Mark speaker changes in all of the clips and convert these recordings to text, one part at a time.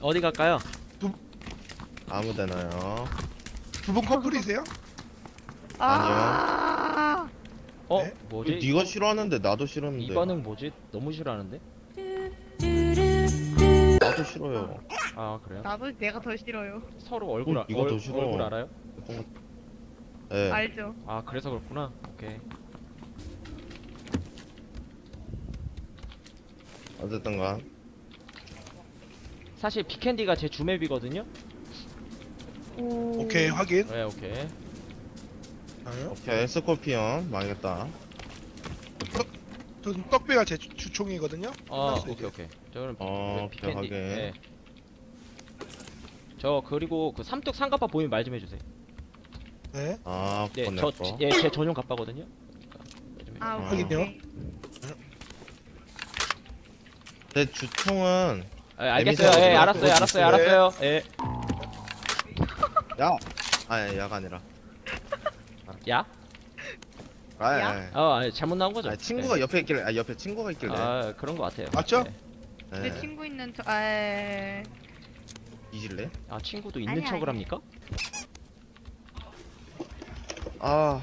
Speaker 1: 어디 갈까요?
Speaker 2: 아무데나요.
Speaker 3: 두 분 커플이세요?
Speaker 4: 아.
Speaker 3: 네?
Speaker 1: 뭐지?
Speaker 2: 네가 싫어하는데 나도 싫었는데.
Speaker 1: 이 반응 뭐지? 너무 싫어하는데?
Speaker 2: 나도 싫어요.
Speaker 1: 아 그래요?
Speaker 4: 나도 내가 더 싫어요.
Speaker 1: 서로 얼굴
Speaker 2: 이거 더 싫어.
Speaker 1: 얼굴 알아요?
Speaker 2: 네.
Speaker 4: 알죠?
Speaker 1: 아 그래서 그렇구나. 오케이.
Speaker 2: 어쨌든간
Speaker 1: 사실 비캔디가 제 주맵이거든요.
Speaker 4: 오.
Speaker 3: 오케이 확인.
Speaker 1: 네 오케이.
Speaker 3: 아요?
Speaker 2: 오케이 스콜피언 망했다.
Speaker 3: 저는 떡배가 제 주총이거든요.
Speaker 1: 아
Speaker 3: 끝났어요,
Speaker 1: 오케이
Speaker 3: 이제.
Speaker 1: 오케이. 저는
Speaker 2: 오케이, 확인.
Speaker 1: 네. 저 그리고 그 삼뚝 상갑바 보이면 말 좀 해주세요.
Speaker 3: 네.
Speaker 2: 아
Speaker 1: 네,
Speaker 2: 그건
Speaker 1: 저
Speaker 2: 내 거.
Speaker 1: 제 전용 갑바거든요.
Speaker 4: 아
Speaker 2: 아,
Speaker 4: 오케이.
Speaker 3: 확인요?
Speaker 4: 오케이.
Speaker 2: 내 주총은
Speaker 1: 알겠어요.
Speaker 2: 에미사가
Speaker 1: 예,
Speaker 2: 들어갔고
Speaker 1: 알았어요, 알았어요,
Speaker 3: 있어요.
Speaker 1: 알았어요. 예.
Speaker 2: 야. 아니 야가 아니라.
Speaker 1: 야?
Speaker 2: 아,
Speaker 4: 야?
Speaker 2: 아니.
Speaker 1: 아니, 잘못 나온 거죠?
Speaker 2: 아니, 친구가 옆에 있길래. 아 옆에 친구가 있길래.
Speaker 1: 아 그런 거 같아요.
Speaker 3: 맞죠?
Speaker 1: 네.
Speaker 2: 네.
Speaker 4: 내 친구 있는 저
Speaker 2: 이질래?
Speaker 1: 아 친구도 있는
Speaker 4: 아니야,
Speaker 1: 척을
Speaker 4: 아니야.
Speaker 1: 합니까?
Speaker 2: 아.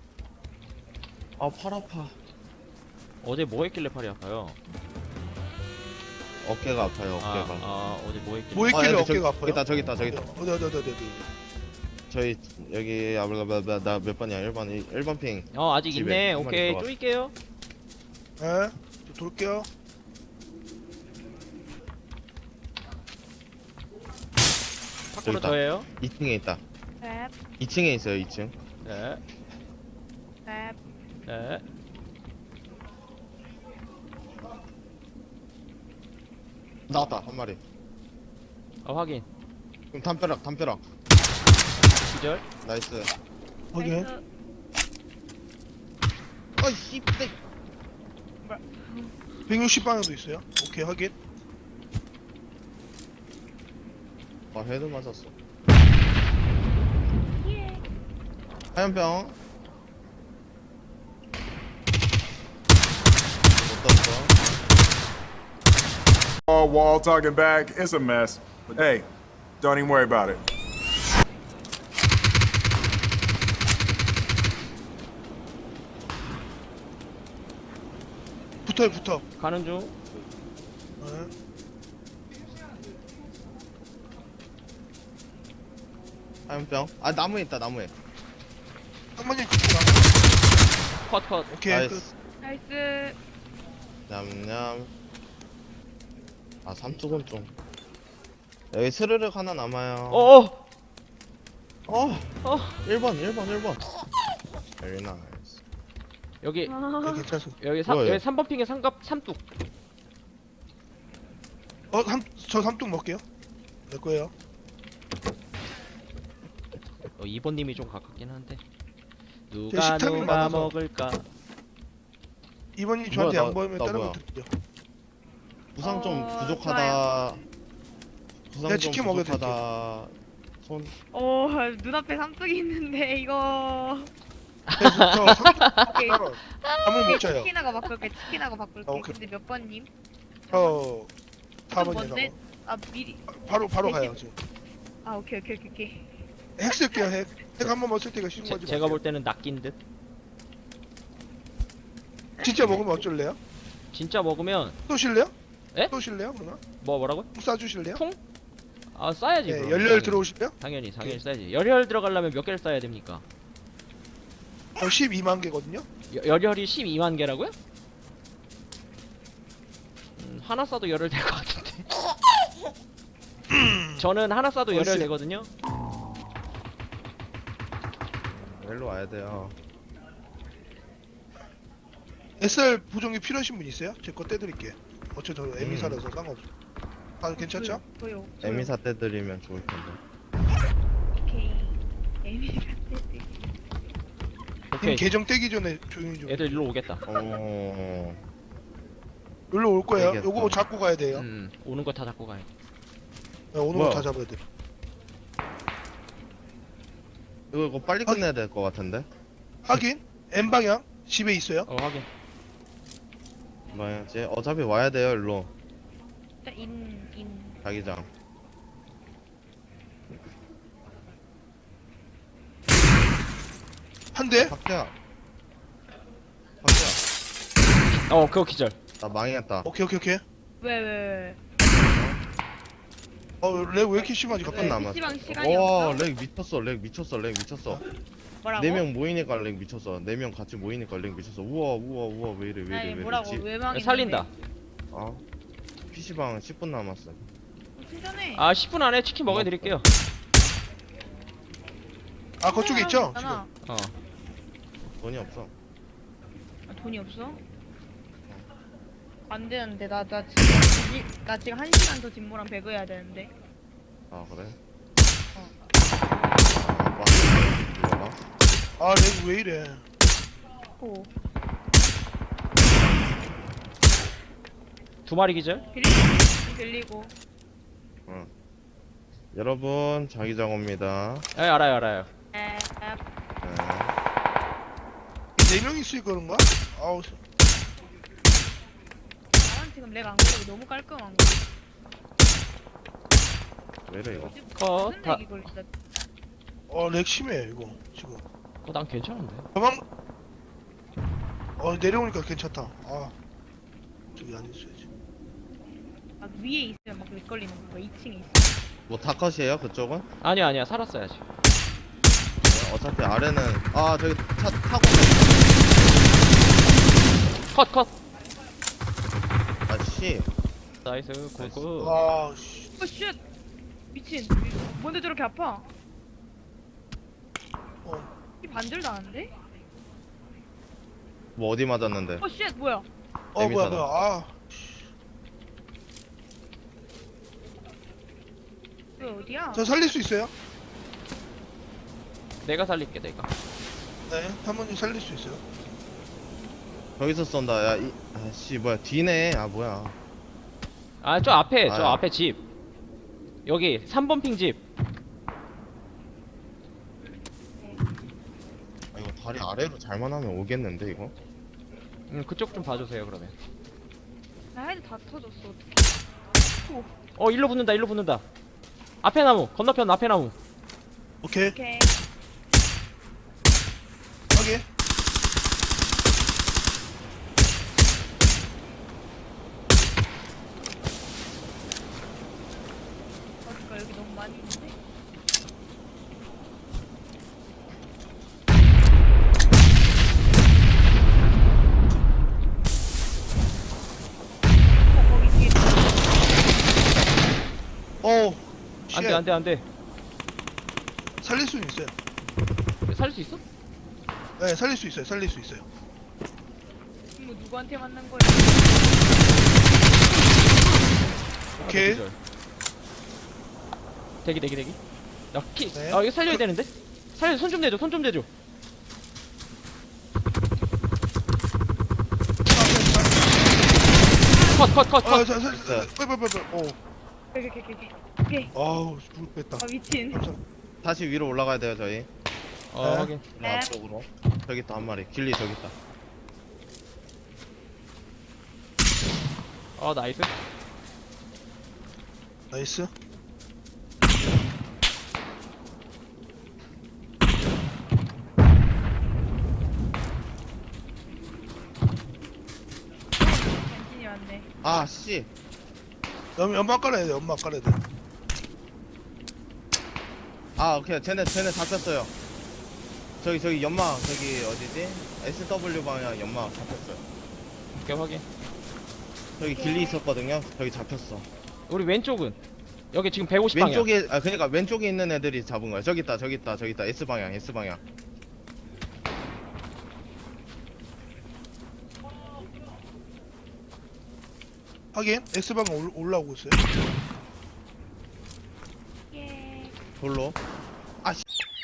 Speaker 2: 아 팔 아파.
Speaker 1: 어제 뭐 했길래 팔이 아파요?
Speaker 2: 어깨가 아파요 어깨가.
Speaker 1: 어제 뭐 했길래?
Speaker 3: 뭐 있길래
Speaker 2: 여기
Speaker 3: 어깨가 아파요?
Speaker 2: 저기 있다 저기 있다.
Speaker 3: 어디.
Speaker 2: 저희 여기 나 몇 번이야 1번 핑.
Speaker 1: 아직
Speaker 2: 집에
Speaker 1: 있네.
Speaker 2: 한 마리
Speaker 1: 오케이
Speaker 2: 들어갔어.
Speaker 1: 쪼일게요.
Speaker 3: 네. 저 돌게요.
Speaker 1: 밖으로
Speaker 2: 있다.
Speaker 1: 저예요.
Speaker 2: 2층에 있다.
Speaker 4: 랩
Speaker 2: 2층에 있어요 2층.
Speaker 1: 네,
Speaker 4: 랩.
Speaker 1: 네.
Speaker 2: 나왔다 한 마리.
Speaker 1: 확인.
Speaker 2: 그럼 담벼락.
Speaker 1: 기절.
Speaker 2: 나이스.
Speaker 3: 확인.
Speaker 4: 나이스.
Speaker 2: 아이씨.
Speaker 3: 160 방향도 있어요. 오케이 확인.
Speaker 2: 아 헤드 맞았어.
Speaker 4: 예.
Speaker 2: 화염병. 못 떴어.
Speaker 5: Wall talking back, it's a mess. But hey, don't even worry about it.
Speaker 3: 붙어.
Speaker 1: 가는 중.
Speaker 3: 네.
Speaker 2: 화염병. 아 나무에 있다 나무에.
Speaker 3: 한번님 붙어.
Speaker 1: 컷.
Speaker 3: 오케이 끝.
Speaker 2: 나이스.
Speaker 4: 나이스.
Speaker 2: 냠냠. 아 삼뚝은 좀. 여기 스르륵 하나 남아요.
Speaker 1: 어.
Speaker 2: 1번. Very nice.
Speaker 1: 여기
Speaker 3: 네, 괜찮습니다.
Speaker 2: 뭐예요?
Speaker 1: 여기 3번 핑에 삼뚝.
Speaker 3: 저 삼뚝 먹게요. 내 거예요.
Speaker 1: 2번 님이 좀 가깝긴 한데.
Speaker 3: 제
Speaker 1: 누가
Speaker 3: 식탐이 많아서.
Speaker 1: 먹을까?
Speaker 3: 이번님 저한테
Speaker 2: 뭐야, 나-
Speaker 3: 양보하면
Speaker 2: 나
Speaker 3: 다른
Speaker 2: 뭐야?
Speaker 3: 거 드릴게요.
Speaker 2: 부상 좀
Speaker 4: 어,
Speaker 2: 부족하다. 부상
Speaker 3: 내가
Speaker 2: 좀
Speaker 3: 치킨 먹여드릴게.
Speaker 2: 부족하다. 손.
Speaker 4: 오 눈앞에 삼뚝이 있는데 이거.
Speaker 3: 저 삼뚝
Speaker 4: 오케이.
Speaker 3: 따로 한번 먹자요.
Speaker 4: 치킨하고 바꿀게.
Speaker 3: 아, 오케이.
Speaker 4: 근데 몇 번님?
Speaker 3: 저
Speaker 4: 그건 뭔데?
Speaker 3: 4번이라고.
Speaker 4: 아 미리.
Speaker 3: 바로 가요 지금.
Speaker 4: 아 오케이.
Speaker 3: 핵 쓸게요 핵. 핵 한 번만 쓸 때가 쉬운 거지.
Speaker 1: 제가 볼 때는 낚인 듯.
Speaker 3: 진짜 먹으면 어쩔래요?
Speaker 1: 진짜 먹으면
Speaker 3: 쏘실래요?
Speaker 1: 에?
Speaker 3: 쏘실래요 그러면?
Speaker 1: 뭐라고요?
Speaker 3: 총 쏴주실래요?
Speaker 1: 통? 아 싸야지.
Speaker 3: 네,
Speaker 1: 그럼.
Speaker 3: 열렬 들어오실래요?
Speaker 1: 당연히
Speaker 3: 오케이.
Speaker 1: 싸야지. 열혈 들어가려면 몇 개를 싸야 됩니까?
Speaker 3: 저 12만 개거든요.
Speaker 1: 열혈이 12만 개라고요? 하나 싸도 열혈 될 것 같은데. 저는 하나 싸도 열혈
Speaker 3: 어이씨.
Speaker 1: 되거든요.
Speaker 2: 일로 와야 돼요.
Speaker 3: SR 보정기 필요하신 분 있어요? 제 거 떼드릴게. 어차피 저 에미사라서 상관없어. 아 괜찮죠?
Speaker 4: 저요.
Speaker 2: 에미사 때 드리면 좋을 텐데.
Speaker 4: 오케이. 에미사 떼지.
Speaker 1: 오케이.
Speaker 3: 계정 떼기 전에 조용히 좀.
Speaker 1: 애들 일로 오겠다.
Speaker 3: 여기로 올 거예요.
Speaker 2: 알겠어.
Speaker 3: 요거 잡고 가야 돼요.
Speaker 1: 오는 거 다 잡고 가요.
Speaker 3: 네, 오는
Speaker 2: 뭐야?
Speaker 3: 거 다 잡아야 돼.
Speaker 2: 이거 빨리 끝내야 될 것 같은데.
Speaker 3: 확인. N 방향 집에 있어요.
Speaker 1: 확인.
Speaker 2: 뭐야지? 어차피 와야 돼요 일로.
Speaker 4: 인.
Speaker 2: 자기장.
Speaker 3: 한 대?
Speaker 2: 박재야. 박재야.
Speaker 1: 그거 기절.
Speaker 2: 나 망했다.
Speaker 3: 오케이 오케이 오케이.
Speaker 4: 왜?
Speaker 3: 렉 왜 이렇게 심하지
Speaker 2: 몇
Speaker 3: 갑자기?
Speaker 2: 분 남았어?
Speaker 4: PC방 시간이
Speaker 2: 와,
Speaker 4: 없어?
Speaker 2: 렉 미쳤어. 렉 미쳤어. 렉 미쳤어.
Speaker 4: 뭐라고?
Speaker 2: 4명 모이니까 렉 미쳤어. 4명 같이 모이니까 렉 미쳤어. 우와 왜 이래
Speaker 4: 아니
Speaker 2: 왜
Speaker 4: 뭐라고
Speaker 2: 이러지?
Speaker 4: 왜 망했는데?
Speaker 1: 살린다.
Speaker 2: 아. PC방 10분 남았어.
Speaker 4: 충전해.
Speaker 1: 10분 안에 치킨 먹여드릴게요.
Speaker 3: 아 그쪽에 있죠? 지금.
Speaker 4: 아,
Speaker 2: 돈이 없어.
Speaker 4: 돈이 없어? 안 되는데 나 지금 1시간 더 진모랑 배그 해야 되는데.
Speaker 2: 아, 그래?
Speaker 4: 어.
Speaker 2: 아, 이거 봐.
Speaker 3: 아 렉 왜 이래?
Speaker 4: 오.
Speaker 1: 2마리 기절.
Speaker 4: 빌리고.
Speaker 2: 여러분, 자기장입니다.
Speaker 1: 알아요.
Speaker 2: 네.
Speaker 3: 4명 있으니까 그런가? 아우
Speaker 4: 나는 지금 렉 안 걸리고 너무 깔끔한 거.
Speaker 2: 왜 이래, 이거?
Speaker 1: 컷.
Speaker 4: 무슨 렉이 걸린다.
Speaker 3: 렉 심해 이거 지금.
Speaker 1: 난 괜찮은데.
Speaker 3: 가방 내려오니까 괜찮다. 아 저기 안 있어야지.
Speaker 4: 막 위에 있으면 막 렉 걸리는 거. 2층에 있어.
Speaker 2: 뭐, 다컷이에요, 그쪽은?
Speaker 1: 아니야. 살았어야지.
Speaker 2: 네, 어차피 아래는, 저기 차 타고,
Speaker 1: 컷.
Speaker 2: 씨.
Speaker 1: 나이스. 굿.
Speaker 3: 아 씨.
Speaker 4: 쉣! 미친. 뭔데 저렇게 아파? 이 반절도 안 돼?
Speaker 2: 뭐, 어디 맞았는데?
Speaker 4: 쉣! 뭐야?
Speaker 3: 뭐야
Speaker 2: 재밌잖아.
Speaker 3: 뭐야.
Speaker 4: 왜 어디야?
Speaker 3: 저 살릴 수 있어요?
Speaker 1: 내가 살릴게, 내가.
Speaker 3: 네. 한번님 살릴 수 있어요?
Speaker 2: 저기서 쏜다. 야, 씨, 뭐야, 뒤네. 뭐야.
Speaker 1: 저 앞에,
Speaker 2: 아유.
Speaker 1: 앞에 집. 여기 3번 핑 집.
Speaker 2: 이거 다리 아래로 잘만 하면 오겠는데, 이거?
Speaker 1: 그쪽 좀 봐주세요, 그러면.
Speaker 4: 나 헤드 다 터졌어. 어떡해.
Speaker 1: 일로 붙는다. 앞에 나무, 건너편 앞에 나무.
Speaker 3: 오케이.
Speaker 4: 오케이.
Speaker 3: 확인.
Speaker 4: 어디가 여기 너무 많이 있는데? 거기 뒤에
Speaker 1: 안 돼.
Speaker 3: 살릴 수는 있어요.
Speaker 1: 살릴 수 있어?
Speaker 3: 네, 살릴 수 있어요.
Speaker 4: 뭐 누구한테 맞는 거야?
Speaker 3: 오케이.
Speaker 1: 기절. 대기.
Speaker 3: 네.
Speaker 1: 이거 살려야 되는데? 손 좀 대줘. 컷.
Speaker 3: 빨리.
Speaker 4: 오케이.
Speaker 3: 아우, 물 뺐다.
Speaker 4: 미친.
Speaker 3: 감사합니다.
Speaker 2: 다시 위로 올라가야 돼요, 저희.
Speaker 1: 확인.
Speaker 4: 네.
Speaker 2: 앞쪽으로. 저기 있다, 한 마리. 길리 저기 있다.
Speaker 1: 나이스.
Speaker 3: 나이스.
Speaker 4: 당신이 왔네.
Speaker 2: 씨.
Speaker 3: 연막 깔아야 돼.
Speaker 2: 오케이. 쟤네 잡혔어요. 저기 연막, 저기 어디지? SW 방향 연막 잡혔어요.
Speaker 1: 오케이, 확인.
Speaker 2: 저기 길리 있었거든요. 저기 잡혔어.
Speaker 1: 우리 왼쪽은 여기 지금 150 방향.
Speaker 2: 왼쪽에, 그러니까 왼쪽에 있는 애들이 잡은 거야. 저기 있다. S 방향.
Speaker 3: 확인. S방은 올라오고 있어요.
Speaker 4: 예.
Speaker 2: 돌로. 씨.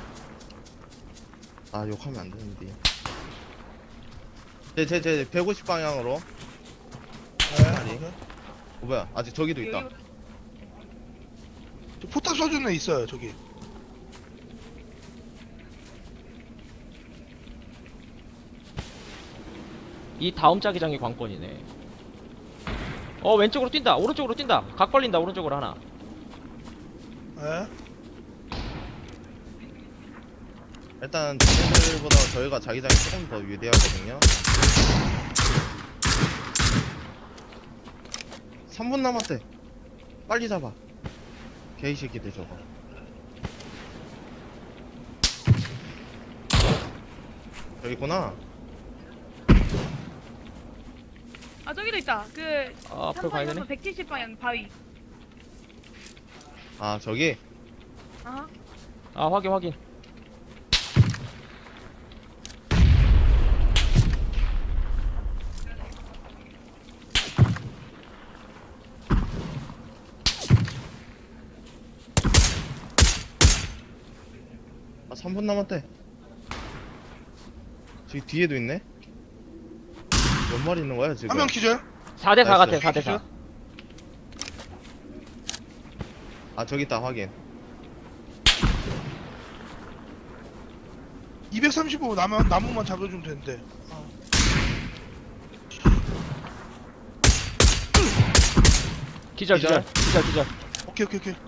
Speaker 2: 욕하면 안 되는데. 제 150 방향으로. 아니.
Speaker 3: 네.
Speaker 2: 뭐야? 아직 저기도 있다.
Speaker 4: 여기
Speaker 3: 저 포탑 쏘주는 애 있어요. 저기.
Speaker 1: 이 다음 자기장이 관건이네. 왼쪽으로 뛴다. 오른쪽으로 뛴다. 각 벌린다. 오른쪽으로 하나.
Speaker 3: 네.
Speaker 2: 일단 쟤네들보다 저희가 자기장이 조금 더 유리하거든요. 3분 남았대. 빨리 잡아. 개이새끼들 저거. 여기 있구나.
Speaker 4: 아 저기도 있다. 그
Speaker 1: 아, 앞으로 가야 되네.
Speaker 4: 170방향 바위.
Speaker 2: 아 저기.
Speaker 4: 아하.
Speaker 1: 아, 확인, 확인.
Speaker 2: 아 3분 남았대. 저기 뒤에도 있네. 몇 마리 있는 거야 지금?
Speaker 3: 한 명 기절.
Speaker 1: 4대4 같아,
Speaker 2: 나이스.
Speaker 1: 4대4.
Speaker 2: 아 저기 있다 확인.
Speaker 3: 235 나무만 잡아주면 되는데.
Speaker 1: 기절,
Speaker 2: 기절.
Speaker 1: 기절, 기절.
Speaker 3: 오케이.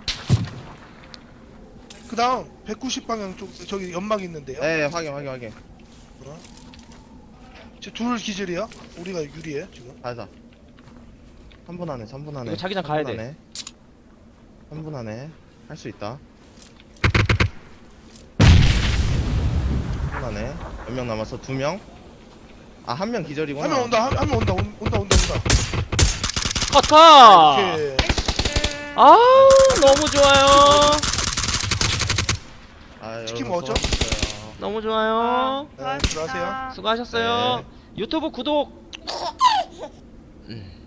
Speaker 3: 그 다음 190방향 쪽 저기 연막 있는데요.
Speaker 2: 네 확인.
Speaker 3: 둘 기절이야. 우리가 유리해 지금.
Speaker 2: 가자. 3분 안에.
Speaker 1: 이거 자기장 가야 돼.
Speaker 2: 3분 안에 할 수 있다. 3분 안에 몇 명 남았어? 2명? 아 1명 기절이구나.
Speaker 3: 한 명 온다. 한 명 온다.
Speaker 1: 컷, 컷!
Speaker 3: 오케이.
Speaker 1: 아, 너무 좋아요.
Speaker 2: 아,
Speaker 3: 치킨
Speaker 2: 여러분
Speaker 3: 먹었죠?
Speaker 2: 수고하셨어요.
Speaker 1: 너무 좋아요.
Speaker 3: 네, 들어가세요.
Speaker 1: 수고하셨어요.
Speaker 2: 네.
Speaker 1: 유튜브 구독.